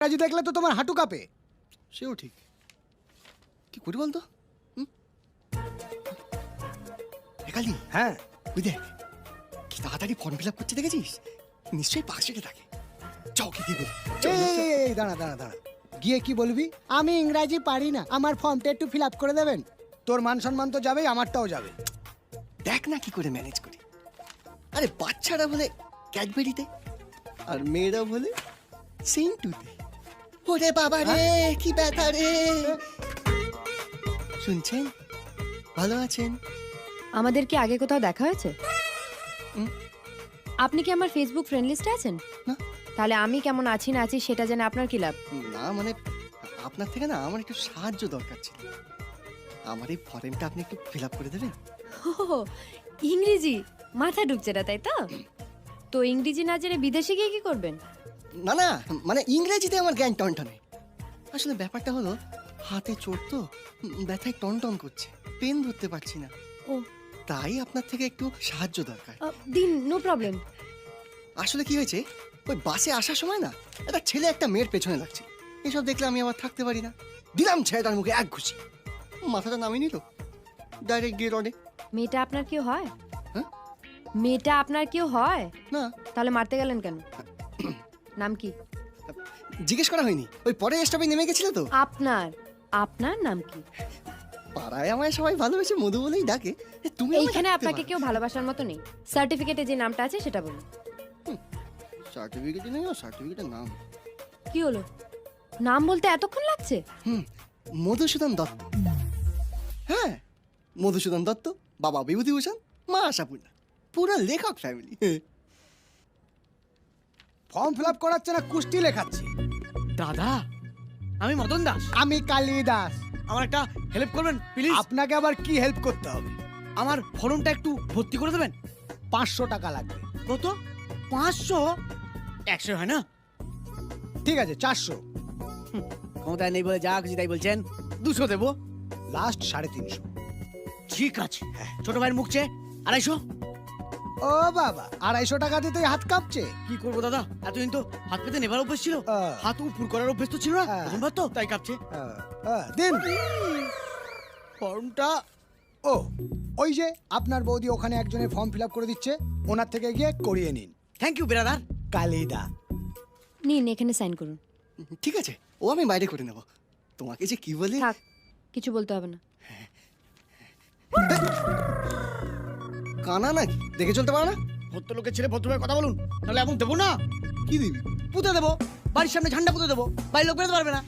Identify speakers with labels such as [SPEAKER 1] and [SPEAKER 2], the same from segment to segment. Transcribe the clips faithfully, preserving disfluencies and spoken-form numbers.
[SPEAKER 1] রাজু দেখলে তো তোমার হাঁটু কাঁপে।
[SPEAKER 2] সেও ঠিক, কি করি বলতো? একালি,
[SPEAKER 1] হ্যাঁ
[SPEAKER 2] ওই দেখ কি তাড়াতাড়ি ফর্ম ফিল আপ করতে দেখেছিস? নিশ্চয়ই পাশে থাকে। যাও কি কি বলি।
[SPEAKER 1] এই, এই, দাঁড়া দাঁড়া দাঁড়া গিয়ে কি বলবি? আমি ইংরাজি পারি না, আমার ফর্মটা একটু ফিল আপ করে দেবেন। তোর মান সম্মান তো যাবেই, আমারটাও যাবে।
[SPEAKER 2] দেখ না কি করে ম্যানেজ করি। আরে বাচ্চারা বলে ক্যাডবেরিতে আর মেয়েরা বলে সিন্টুতে। ওরে বাবা রে, কি ব্যথা রে। শুনছেন? ভালো আছেন?
[SPEAKER 3] আমাদের কি আগে কোথাও দেখা হয়েছে?
[SPEAKER 2] হুম।
[SPEAKER 3] আপনি কি আমার ফেসবুক ফ্রেন্ড লিস্টে আছেন?
[SPEAKER 2] না।
[SPEAKER 3] তাহলে আমি কেমন আছি না আছি সেটা জেনে আপনার কি লাভ?
[SPEAKER 2] না মানে আপনার থেকে না আমার একটু সাহায্য দরকার ছিল। আমার এই ফর্মটা আপনি একটু ফিল আপ করে দেবেন?
[SPEAKER 3] ও ইংরেজি মাথা ঢুকছে না, তাই তো? তো ইংরেজি না জেনে বিদেশে গিয়ে কি করবেন?
[SPEAKER 2] না না মানে ইংরেজিতে আমার জ্ঞান টনটনে। আসলে ব্যাপারটা হলো হাতে চোট তো, ব্যথায় টনটন করছে, পেন ধরতে পারছি না।
[SPEAKER 3] ও
[SPEAKER 2] তাই আপনার থেকে একটু সাহায্য দরকার।
[SPEAKER 3] আহ, দিন, নো প্রবলেম।
[SPEAKER 2] আসলে কি হয়েছে, ওই বাসে আসার সময় না একটা ছেলে একটা মেয়ের পেছনে লাগছে। এসব দেখলে আমি আবার থাকতে পারি না। দিলাম ছেলেটার মুখে এক ঘুষি, মাথাটা নামিয়ে নিল, ডাইরেক্ট গিয়ে রডে।
[SPEAKER 3] মেয়েটা আপনার কেউ হয়?
[SPEAKER 2] হ্যাঁ?
[SPEAKER 3] মেয়েটা আপনার কেউ হয়?
[SPEAKER 2] না,
[SPEAKER 3] তাহলে মারতে গেলেন কেন? নাম কি
[SPEAKER 2] জিজ্ঞেস করা হয়নি, ওই পরে স্টপে নেমে গেছিল তো।
[SPEAKER 3] আপনার? আপনার নাম কি?
[SPEAKER 2] পাড়ায় আমায় সবাই ভালোবেসে মধু বলেই ডাকে। এ, তুমি আমায়
[SPEAKER 3] এইখানে
[SPEAKER 2] ডাকতে
[SPEAKER 3] আপনাকে
[SPEAKER 2] পারো।
[SPEAKER 3] কেউ ভালোবাসার মতো নেই। সার্টিফিকেটে যে নামটা আছে সেটা বলুন।
[SPEAKER 2] সার্টিফিকেটে নেই, সার্টিফিকেটের নাম
[SPEAKER 3] কি হলো? নাম বলতে এতক্ষণ লাগছে?
[SPEAKER 2] হুম মধুসূদন দত্ত। হ্যাঁ, মধুসূদন দত্ত, বাবা বিভূতিভূষণ, মা আশাপূর্ণা, পুরো লেখক ফ্যামিলি।
[SPEAKER 1] ফর্ম ফিল আপ করাচ্ছে না, কুস্তি লেখাচ্ছি।
[SPEAKER 4] দাদা, আমি মদন দাস।
[SPEAKER 1] আমি কালিদাস।
[SPEAKER 4] আমার একটা হেল্প করবেন প্লিজ?
[SPEAKER 1] আপনাকে আবার কি হেল্প করতে হবে?
[SPEAKER 4] আমার ফর্মটা একটু ভর্তি করে দেবেন।
[SPEAKER 1] পাঁচশো টাকা লাগবে।
[SPEAKER 4] কত? পাঁচশো? একশো হয় না?
[SPEAKER 1] ঠিক আছে, চারশো।
[SPEAKER 4] ক্ষমতায় নেই বলে যা খুশি তাই বলছেন। দুশো দেবো।
[SPEAKER 1] লাস্ট সাড়ে তিনশো।
[SPEAKER 4] ঠিক আছে, ছোট ভাইয়ের মুখ চেয়ে আড়াইশো।
[SPEAKER 1] ও বাবা, আড়াইশো টাকা দিতেই হাত কাঁপছে।
[SPEAKER 4] কি করবো দাদা, এতদিন তো হাত পেতে নেবার অভ্যেস ছিল,
[SPEAKER 1] আহ।
[SPEAKER 4] হাত উপর করার অভ্যেস তো ছিল না।
[SPEAKER 1] হ্যাঁ।
[SPEAKER 4] প্রথমবার তো তাই কাঁপছে।
[SPEAKER 1] আহ, আহ, দিন।
[SPEAKER 4] ফর্মটা
[SPEAKER 1] ও, ওই যে আপনার বৌদি ওখানে একজনের ফর্ম ফিল আপ করে দিচ্ছে, ওনার থেকে গিয়ে করিয়ে নিন।
[SPEAKER 4] থ্যাংক ইউ বেরাদার।
[SPEAKER 1] কালিদা।
[SPEAKER 3] নিন, এখানে সাইন করুন।
[SPEAKER 2] ঠিক আছে, ও আমি বাইরে করে নেব। তোমাকে যে কি বলে,
[SPEAKER 3] থাক, কিছু বলতে হবে না।
[SPEAKER 2] কানা নাকি, দেখে চলতে পারো না?
[SPEAKER 4] ভদ্র লোকের ছেলে ভদ্রভাবে কথা বলুন, নাহলে এমন দেবো না।
[SPEAKER 2] কি দিবি?
[SPEAKER 4] পুঁতে দেবো, বাড়ির সামনে ঝান্ডা পুঁতে দেবো, বাড়ির লোক বেরোতে পারবে না।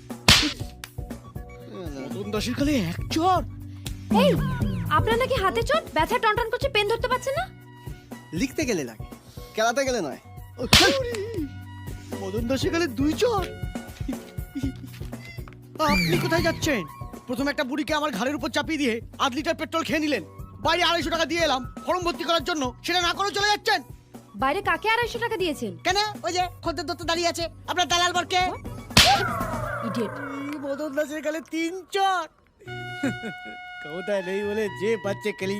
[SPEAKER 4] মদন দাসের কালে এক চর।
[SPEAKER 3] এই, আপনার নাকি হাতে চোট, ব্যথা টনটন করছে, পেন ধরতে পারছেন না?
[SPEAKER 2] লিখতে গেলে লাগে, খেলাতে গেলে নয়।
[SPEAKER 4] ও, ছ্যাঃ! মদন দাসের কালে দুই চর। আপনি কোথায় যাচ্ছেন? প্রথমে একটা বুড়িকে আমার ঘাড়ের উপর চাপিয়ে দিয়ে আধ লিটার পেট্রোল খেয়ে নিলেন। বাইরে আড়াইশো টাকা দিয়ে এলাম ফর্ম ভর্তি করার জন্য, সেটা না করে চলে যাচ্ছেন
[SPEAKER 3] বাইরে কাকে আড়াইশো টাকা দিয়েছেন?
[SPEAKER 4] কেন? ওই যে খদ্দের দত্ত দাঁড়িয়ে আছে, আপনার দালাল বরকে।
[SPEAKER 3] ইডিয়েট।
[SPEAKER 4] মদন দাসের কালে তিন চর। ক্ষমতায় নেই বলে যে বাচ্চে কেলি